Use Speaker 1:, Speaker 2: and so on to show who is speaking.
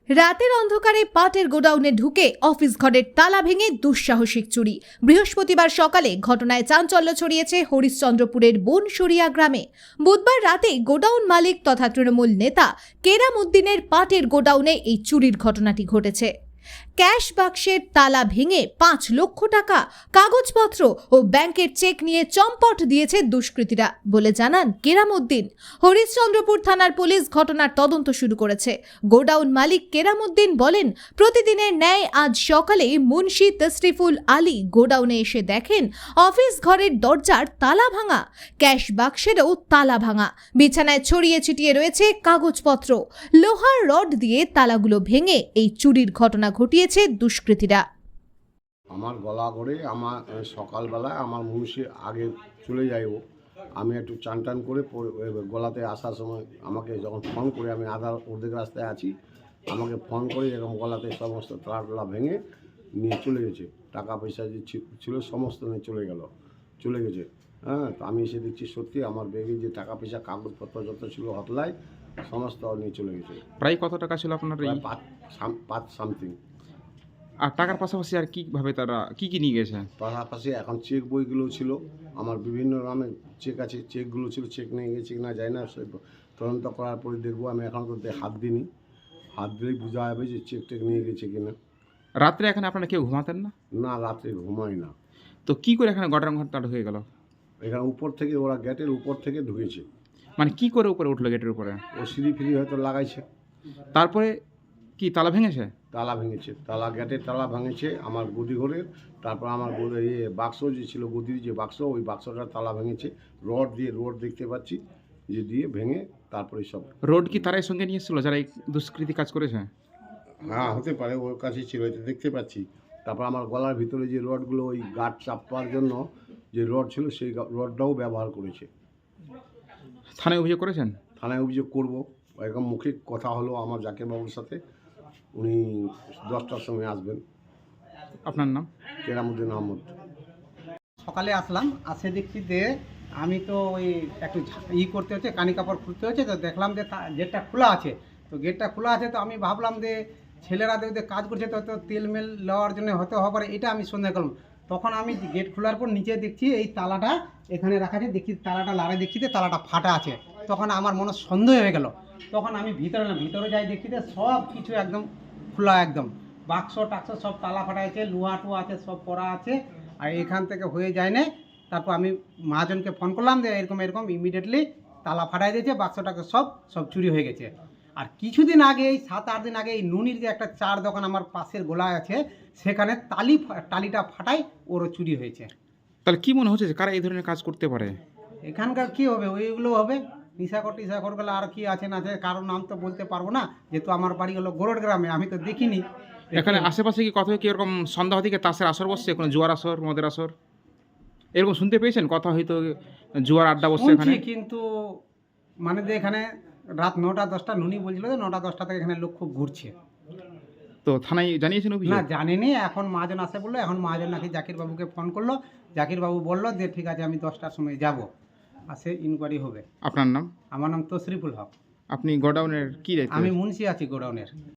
Speaker 1: রাতের অন্ধকারে পাটের গোডাউনে ঢুকে অফিস ঘরের তালা ভেঙে দুঃসাহসিক চুরি। বৃহস্পতিবার সকালে ঘটনায় চাঞ্চল্য ছড়িয়েছে হরিশ্চন্দ্রপুরের বনসরিয়া গ্রামে। বুধবার রাতে গোডাউন মালিক তথা তৃণমূল নেতা কেরাম উদ্দিনের পাটের গোডাউনে এই চুরির ঘটনাটি ঘটেছে। ক্যাশ বাক্সের তালা ভেঙে 5 লক্ষ টাকা, কাগজপত্র ও ব্যাংকের চেক নিয়ে চম্পট দিয়েছে দুষ্কৃতীরা বলে জানান কেরাম উদ্দিন। হরিশ্চন্দ্রপুর থানার পুলিশ ঘটনার তদন্ত শুরু করেছে। গোডাউন মালিক কেরাম উদ্দিন বলেন, প্রতিদিনের ন্যায় আজ সকালে মুন্সি তশরিফুল আলী গোডাউনে এসে দেখেন অফিস ঘরের দরজার তালা ভাঙা, ক্যাশ বাক্সেরও তালা ভাঙা, বিছানায় ছড়িয়ে ছিটিয়ে রয়েছে কাগজপত্র। লোহার রড দিয়ে তালাগুলো ভেঙে এই চুরির ঘটনা ঘটিয়েছে দুষ্কৃতীরা।
Speaker 2: আমার গলা করে আমার সকালবেলায় আমার মুন্সি আগে চলে যাইব, আমি একটু চান টান করে গলাতে আসার সময় আমাকে যখন ফোন করে, আমি অর্ধেক রাস্তায় আছি, আমাকে ফোন করে এরকম গলাতে সমস্ত তালা ভেঙে নিয়ে চলে গেছে। টাকা পয়সা যে ছিল সমস্ত নিয়ে চলে গেছে। হ্যাঁ, তো আমি এসে দেখছি সত্যি আমার ব্যাগে যে টাকা পয়সা কাগজপত্র যত ছিল হতলায় সমস্ত নিয়ে চলে গেছে।
Speaker 3: প্রায় কত টাকা ছিল আপনার?
Speaker 2: প্রায় 5 সামথিং।
Speaker 3: আর টাকার পাশাপাশি আর কিভাবে তারা কি নিয়ে গেছে?
Speaker 2: পাশাপাশি এখন চেক বইগুলো ছিল, আমার বিভিন্ন নামে চেক আছে, চেকগুলো ছিল, চেক নিয়ে গেছে কিনা যায় না, সে তদন্ত করার পরে দেখবো। আমি এখন তো হাত দিইনি, হাত দিলেই বোঝা যাবে যে চেক টেক নিয়ে গেছে কিনা।
Speaker 3: রাত্রে এখানে আপনারা কেউ ঘুমাতেন না?
Speaker 2: না, রাত্রে ঘুমাই না।
Speaker 3: তো কি করে এখানে গোডাউন ঘরটা ঢুকে গেল?
Speaker 2: এখানে উপর থেকে ওরা গেটের উপর থেকে ঢুকেছে।
Speaker 3: মানে কি করে উপরে উঠলো গেটের উপরে?
Speaker 2: ও সিঁড়ি ফিরি হয়তো লাগাইছে।
Speaker 3: তারপরে কি তালা ভেঙেছে?
Speaker 2: তালা ভেঙেছে, গেটের তালা ভেঙেছে আমার গদি ঘরের। তারপর আমার বাক্স যে ছিল, গদির যে বাক্স, ওই বাক্সটার তালা ভেঙেছে। রড দেখতে পাচ্ছি যে দিয়ে ভেঙে তারপরে সব।
Speaker 3: রোড কি তারাই সঙ্গে নিয়ে এসেছিল যারা এই দুষ্কৃতি কাজ করেছে?
Speaker 2: হ্যাঁ, হতে পারে, ওর কাছে ছিল, এটা দেখতে পাচ্ছি। তারপর আমার গলার ভিতরে যে রডগুলো, ওই গার্ড চাপার জন্য যে রড ছিল, সেই রডটাও ব্যবহার করেছে।
Speaker 3: থানায় অভিযোগ করেছেন?
Speaker 2: থানায় অভিযোগ করব। এরকম মুখে কথা হলো আমার জাকির বাবুর সাথে, উনি 10টার সময় আসবেন।
Speaker 3: আপনার নাম?
Speaker 2: কেরামুদ্দিন আহমদ।
Speaker 4: সকালে আসলাম, আসে দেখছি যে আমি তো ওই একটু করতে হচ্ছে, কানি কাপড় খুলতে হচ্ছে, তো দেখলাম যে গেটটা খোলা আছে। তো গেটটা খোলা আছে, তো আমি ভাবলাম যে ছেলেরা দেখতে কাজ করছে, তো তেল মেল নেওয়ার জন্য হতে হবে, এটা আমি সন্দেহ করলাম। তখন আমি গেট খোলার পর নিচে দেখছি এই তালাটা এখানে রাখা আছে, দেখছি তালাটা লাড়ে, দেখছি যে তালাটা ফাটা আছে। তখন আমার মনে সন্দেহ হয়ে গেল। তখন আমি ভিতরে যাই, দেখছি যে সব কিছু একদম খোলা, একদম বাক্স টাক্স সব তালা ফাটা আছে, লোহা টুয়া আছে, সব করা আছে। আর এখান থেকে হয়ে যায় না। তারপর আমি মহাজনকে ফোন করলাম যে এরকম ইমিডিয়েটলি তালা ফাটাই দিয়েছে, বাক্সটাকে সব চুরি হয়ে গেছে। আর কিছুদিন আগে, এই 7-8 দিন আগে, এই নুনির যে একটা চার দোকান আমার পাশের গোলায় আছে, সেখানে টালিটা ফাটাই ওরও চুরি হয়েছে।
Speaker 3: তাহলে কি মনে হচ্ছে যে কারা এই ধরনের কাজ করতে পারে?
Speaker 4: এখানকার কি হবে, ওইগুলো হবে নিশাকর গেলে। আর কি আছে না আছে, কারোর নাম তো বলতে পারবো না, যেহেতু আমার বাড়ি হলো গোরড গ্রামে, আমি তো দেখিনি।
Speaker 3: এখানে আশেপাশে কি কোথাও কি এরকম সন্ধ্যা থেকে তাসের আসর বসছে, কোনো জুয়ার আসর, মদের আসর এরকম শুনতে পেয়েছেন? কথা হয়তো জুয়ার আড্ডা বসছে এখানে,
Speaker 4: কিন্তু মানে যে এখানে রাত 9টা-10টা নুনি বলছিল যে 9টা-10টা থেকে এখানে লোক খুব ঘুরছে।
Speaker 3: তো থানায় জানিয়েছেন অভিযোগ?
Speaker 4: না, জানিনি। এখন মহাজন আসে বললো, এখন মহাজন নাকি জাকির বাবুকে ফোন করলো, জাকির বাবু বললো যে ঠিক আছে, আমি 10টার সময় যাব, আসে ইনকোয়ারি হবে।
Speaker 3: আপনার নাম?
Speaker 4: আমার নাম তশরিফুল হক।
Speaker 3: আপনি গোডাউনের কি দায়িত্ব?
Speaker 4: আমি মুন্সি আছি গোডাউনের।